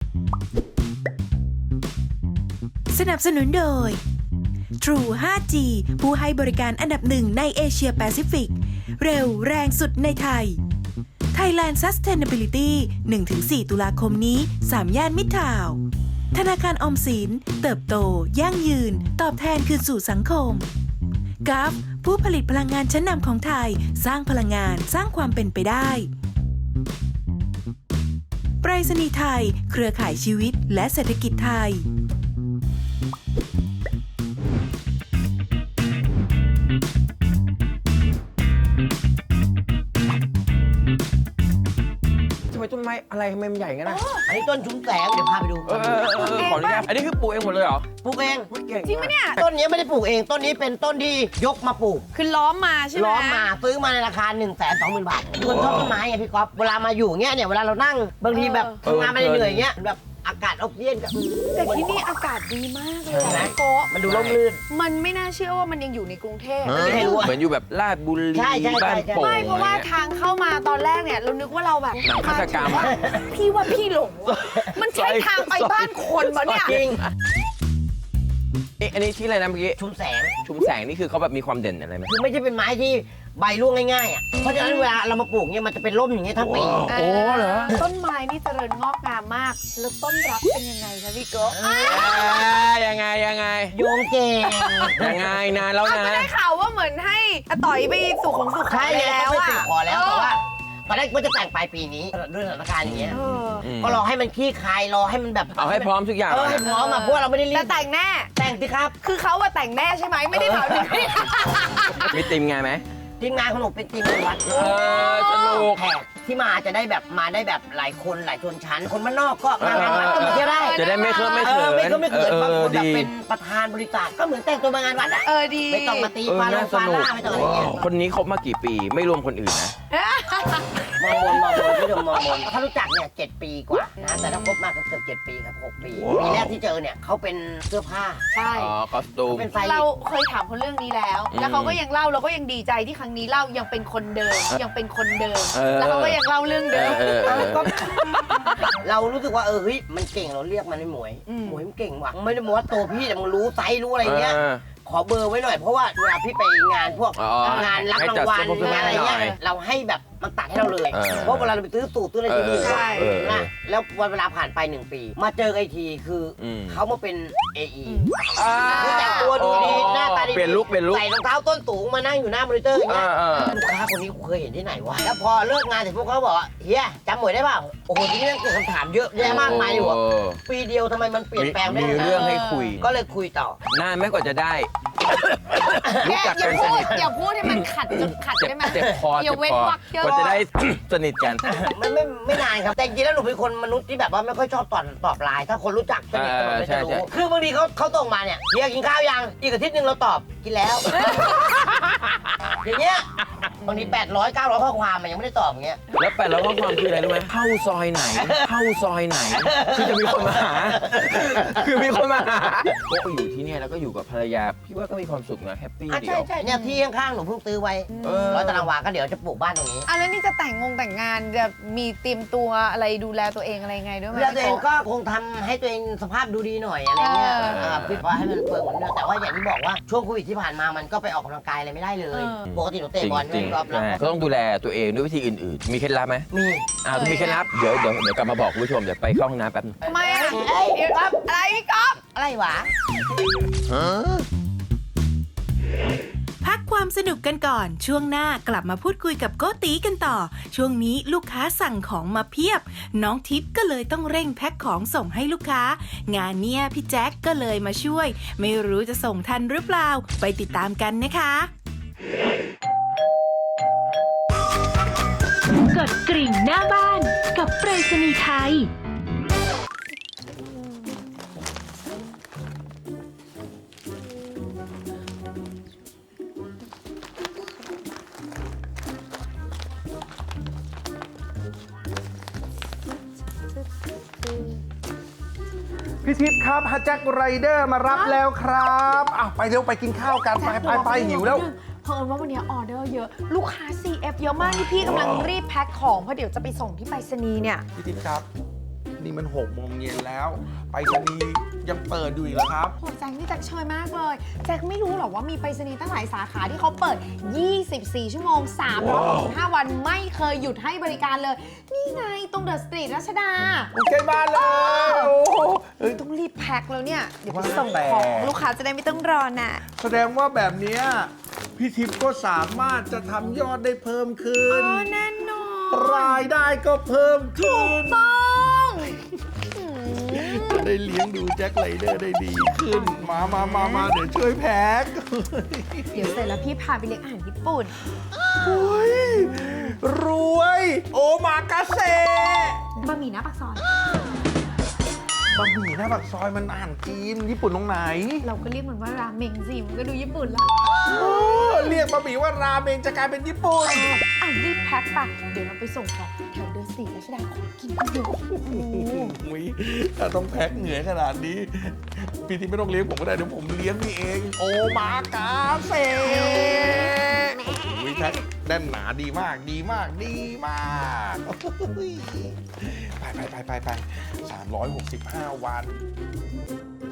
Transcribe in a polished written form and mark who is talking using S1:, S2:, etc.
S1: สนับสนุนโดย True 5G ผู้ให้บริการอันดับหนึ่งในเอเชียแปซิฟิก เร็วแรงสุดในไทย Thailand Sustainability 1-4 ตุลาคมนี้ 3 ย่านมิตรทาวน์ธนาคารออมสินเติบโตยั่งยืนตอบแทนคืนสู่สังคมกัฟผู้ผลิตพลังงานชั้นนำของไทยสร้างพลังงานสร้างความเป็นไปได้ไปรษณีย์ไทยเครือข่ายชีวิตและเศรษฐกิจไทย
S2: ทำไมต้นไม้อะไรทำไมมันใหญ่งั้นนะ
S3: อันนี้ต้นชุมแสงเดี๋ยวพาไปดู
S2: ขออนุญาตอันนี้คือปลูกเองหมดเลยเหรอ
S3: ปลูกเอง
S2: เก่ง
S4: จริงไหมเนี่ย
S3: ต้นนี้ไม่ได้ปลูกเองต้นนี้เป็นต้นที่ยกมาปลูก
S4: คือล้อมมาใช่ไหม
S3: ล้อมมาซื้อมาในราคา 120,000 บาทคนชอบต้นไม้ไงพี่ก๊อฟเวลามาอยู่เงี้ยเนี่ยเวลาเรานั่งบางทีแบบทำงานไม่ได้เหนื่อยเงี้ยแบบอากาศออกซิเจนกับ
S4: แต่ที่นี่อากาศดีมากเลย
S3: ใช่ไหม
S4: อะโกะ
S3: มันดูร่มรื่น
S4: มันไม่น่าเชื่อว่ามันยังอยู่ในกรุงเทพ
S3: ไม่ให้รู้อะ
S2: เหมือนอยู่แบบลาดบุรี
S3: ใช่ใช่
S2: บ้าน
S3: ใช่
S2: โป่ง
S4: ไม่เพราะว่าทางเข้ามาตอนแรกเนี่ยเรานึกว่าเราแบบ
S2: หนังฆาตกรรม
S4: พี่ว่าพี่หลงว่ะมันใช่ทางไปบ้านคนปะเนี่ย
S3: จริง
S2: อันนี้ที่อะไรนะเมื่อกี้
S3: ชุมแสง
S2: ชุมแสงนี่คือเขาแบบมีความเด่นอะไรไหม
S3: คือไม่ใช่เป็นไม้ที่ใบร่วงง่ายๆอ่ะเพราะฉะนั้นเวลาเรามาปลูกเนี่ยมันจะเป็นร่มอย่างเงี้ยทั้งปี
S2: โอ้เหรอ
S4: ต้นไม้นี่เจริญงอกงามมาก แล้วต้นรักเป็นยังไงคะพี่โกะ
S2: ยังไง
S3: โยงเก่ง
S2: ยังไงนานแล้ว
S4: เอา
S2: นะ
S4: ก็ได้ข่าวว่าเหมือนให้อาต่อยไปสู่ของสุข
S3: ใช่
S4: ไป
S3: ไง
S4: แล้ว
S3: ก็ไป
S4: อะ
S3: สู่ขอแล้วแต่ว่าตอนแรกว่าจะแต่งปลายปีนี้ด้วยสถานการณ์อย่างเงี้ย
S4: เออ
S3: ก็รอให้มันคลี่คลายรอให้มันแบบ
S2: เอาให้พร้อมทุกอย่าง
S3: ให้พร้อมอ่ะเพราะว่าเราไม่ได้รี
S4: แต่
S3: บ
S4: แต่งแน่
S3: แต่งสิครับ
S4: คือเขาอะแต่งแน่ใช่ไหมไม่ได้ถามถึงพี่
S2: มีติมไงไหม
S3: ทีมงานของหนูเป็นทีมงานวัด
S2: สนุก
S3: แขกที่มาจะได้แบบมาได้แบบหลายคนหลายชนชั้น คนบ้านนอกก็มางานวัดก็มาเที่ยวได้
S2: จะได้ไม่เคอะไม่เขิน
S3: ไม่ก็ไม่เขินบางคนแบบ
S2: ดี
S3: เป็นประธานบริษัทก็เหมือนแต่งตัวมางานวัดอ่ะ
S4: เออดี
S3: ไม่ต้องมาตี
S2: เออ
S3: ฟาล
S2: น่าง ส
S3: ฟา
S2: นุก
S3: ล่าไม่ต้องอะไรเงี้ย
S2: คนนี้คบมากี่ปีไม่รวมคนอื่นนะ
S3: มองบนพี่ดมมองบนถ้ารู้จักเนี่ย7 ปีกว่านะแต่ถ้าคบมากก็เกือบ7 ปีครับ6 ปีปีแรกที่เจอเนี่ยเขาเป็นเสื้อผ้า
S4: ใช่
S2: อ๋อคอสตูม
S3: เป็นไซส์
S4: เราเคยถามเขาเรื่องนี้แล้ว แล้วเขาก็ยังเล่าเราก็ยังดีใจที่ครั้งนี้เล่ายังเป็นคนเดิมยังเป็นคนเดิม แล้วเขาก็ยังเล่าเรื่องเดิม
S3: ก็เรารู้สึกว่าเฮ้ยมันเก่งเราเรียกมันไม่หมวย
S4: อืม
S3: หมวยมันเก่งว่ะไม่ได้บอกว่าตัวพี่แต่มึงรู้ไซส์รู้อะไรเงี้ย
S2: เออ
S3: ขอเบอร์ไว้หน่อยเพราะว่าเวลาพี่ไปงานพวก
S2: อ๋อ
S3: งานรับ
S2: ให้
S3: รา
S2: จัด
S3: งวัล
S2: เสื้อผ้าง
S3: านอะไรเงี้ย
S2: หน่อย
S3: เราให้แบบมันตัดให้เราเลย
S2: เออ
S3: เพราะเวลาเราไปซื้อสูตรซื้ออะไรที่นี่
S4: ใช่
S3: นะแล้ววันเวลาผ่านไป1 ปี มาเจอไอทีคืออ
S2: ม
S3: เขามาเป็น AE
S2: อ่า
S3: คือแต่งตัวดูดีหน้าตาดี
S2: เปลี่ยนลุค
S3: ใส่รองเท้าต้นสูงมานั่งอยู่หน้ามอนิเตอร์อย่างเงี้ย
S2: อ่า
S3: ลูกค้าคนนี้กูเคยเห็นที่ไหนวะแล้วพอเลิกงานเสร็จพวกเขาบอกว่าเฮียจำหมวยได้เปล่าโอ้โหทีนี้เกิดคำถามเยอะแยะมากมายอยู่อะ
S2: โ
S3: ปีเดียวทำไมมันเปลี่ยนแปลงได้
S2: มี
S3: ขนาดนั้น
S2: เรื่องให้คุย
S3: ก็เลยคุยต่อ
S2: นานไหมกว่าจะได้ รู้จัก
S4: อย่า
S2: กันส
S4: พูด
S2: นิท
S4: อย่าพูดให้มันขัดจนขัดได้ไหม
S2: เจ็บคอ
S4: อย่าเว้นวรรคเยอะ
S2: กว่าจะได้ สนิทกัน
S3: ไม่นานครับแต่จริงๆแล้วหนูเป็นคนมนุษย์ที่แบบว่าไม่ค่อยชอบตอบไลน์ถ้าคนรู้จักสนิทกันหมดเลย
S2: ใช่
S3: จะรู้
S2: ใช่
S3: คือบางทีเขาส่งมาเนี่ยเฮียกินข้าวยังอีกอาทิตย์หนึงเราตอบกินแล้ว อย่างเงี้ยบางที800 900ข้อความมันยังไม่ได้ตอบอย่างเงี้ย
S2: แล้วแปดแล้วข้อความคืออะไรรู้ไหมเข้าซอยไหน เข้าซอยไหน คือจะมีคนมาหา คือมีคนมาหาก็อยู่ที่เนี่ยแล้วก็อยู่กับภรรยา พี่ว่าก็มีความสุขนะแฮปปี้
S3: อ่ะ
S2: เดี
S3: ใช่
S2: ยว
S3: ใช่เนี่ยที่ข้างๆหนูเพิ่งซื้อไว้
S2: เออ
S3: 100 ตารางวาก็เดี๋ยวจะปลูกบ้านตรงนี้
S4: อ่ะแล้วนี่จะแต่งงานจะมีเตรียมตัวอะไรดูแลตัวเองอะไรยังไงด้วยไหม
S3: เวลาตัวเองก็คงทำให้ตัวเองสภาพดูดีหน่อยอะไรเงี้ย
S4: เออ
S3: ปิดว่าให้มันเปิดเหมือนเดิมแต่ว่าอย่างที่บอกว่าช่วงโควิดที่ผ่านมามันก็ไปออกกำลังกายอะไรไม่ได้เลย ปกติหนูเตะบอล
S2: จริ
S3: ไม่
S2: ง
S3: รอบ
S2: ๆ
S3: แล้ว
S2: ใช่ก็ต้องดูแลตัวเองด้วยวิธีอื่นๆ มีเคล็ดลับไหม
S3: มี
S2: มีเคล็ดลับ เดี๋ยวกลับมาบอกคุณผู้ชม เดี๋ยวไปเข้าห้องน้ำแป๊บนึง
S4: ทำไมอ่ะ
S3: เอ้ย
S4: เดี๋ยวอะไรพี่ก๊อฟ
S3: อะไรวะ
S1: พักความสนุกกันก่อน ช่วงหน้ากลับมาพูดคุยกับโกตีกันต่อ ช่วงนี้ลูกค้าสั่งของมาเพียบ น้องทิพย์ก็เลยต้องเร่งแพ็คของส่งให้ลูกค้า งานเนี้ยพี่แจ็คก็เลยมาช่วย ไม่รู้จะส่งทันหรือเปล่า ไปติดตามกันนะคะ
S5: กดกริ่งหน้าบ้านกับไปรษณีย์ไทย
S6: พี่ทิพย์ครับฮัจแจ็คไรเดอร์มารับแล้วครับอ้าวไปเร็วไปกินข้าวกันไปหิวแล้ว
S4: เพิ่นว่าวันนี้ออเดอร์เยอะ ลูกค้า CF เยอะมากนี่พี่กำลังรีบแพ็คของเพราะเดี๋ยวจะไปส่งที่ไปรษณีย์เนี่ย
S6: พี่ทิพย์ครับนี่มัน6 โมงเย็นแล้ว ไปรษณีย์ยังเปิดอยู่อีกเหรอครับ
S4: โหแจ็คนี่แจ็คเชยมากเลย แจ็คไม่รู้หรอกว่ามีไปรษณีย์ตั้งหลายสาขาที่เขาเปิด 24 ชั่วโมง 365 วันไม่เคยหยุดให้บริการเลย นี่ไงตรงเดอะสตรีทรัชดา
S6: ใกล้บ้านเลยโอ้โหเฮ้ย
S4: ต้องรีบแพ็คแล้วเนี่ย เดี๋ยวไป
S6: ว่า
S4: ส่ง
S6: แต่
S4: ของลูกค้าจะได้ไม่ต้องรอน่ะ
S6: แสดงว่าแบบเนี้ยพี่ทิพย์ก็สามารถจะทำยอดได้เพิ่มขึ้น
S4: แน่นอน
S6: รายได้ก็เพิ่มขึ้น
S4: ต้อง
S6: จะได้เลี้ยงดูแจ็คไรเดอร์ได้ดีขึ้น มาเดี๋ยวช่วยแพ็ค
S4: เดี๋ยวเสร็จแล้วพี่พาไปเลี้ยงอาหารญี่ปุ่น
S6: โอ้ยรวย โอมากาเซ
S4: บะหมี่หน้าปากซอย
S6: บะหมี่หน้าปากซอยมันอาหารจีนญี่ปุ่นตรงไหน
S4: เราก็เรียกมันว่าราเมงสิ มันก็ดูญี่ปุ่นละ
S6: เรียกบะหมี่ว่าราเมงจะกลายเป็นญี่ปุ่น
S4: อ่ะรีบแพ็คไปเดี๋ยวเราไปส่งของแถวเดอะสตรีทรัชดาของกินเยอะ
S6: อุ๊ยถ้าต้องแพ็คเหนื่อยขนาดนี้ พี่ที่ไม่ต้องเลี้ยงผมก็ได้เดี๋ยวผมเลี้ยงนี่เอง โอมากาเซอุ๊ยแพ็คแน่นหนาดีมากดีมากไป365 วัน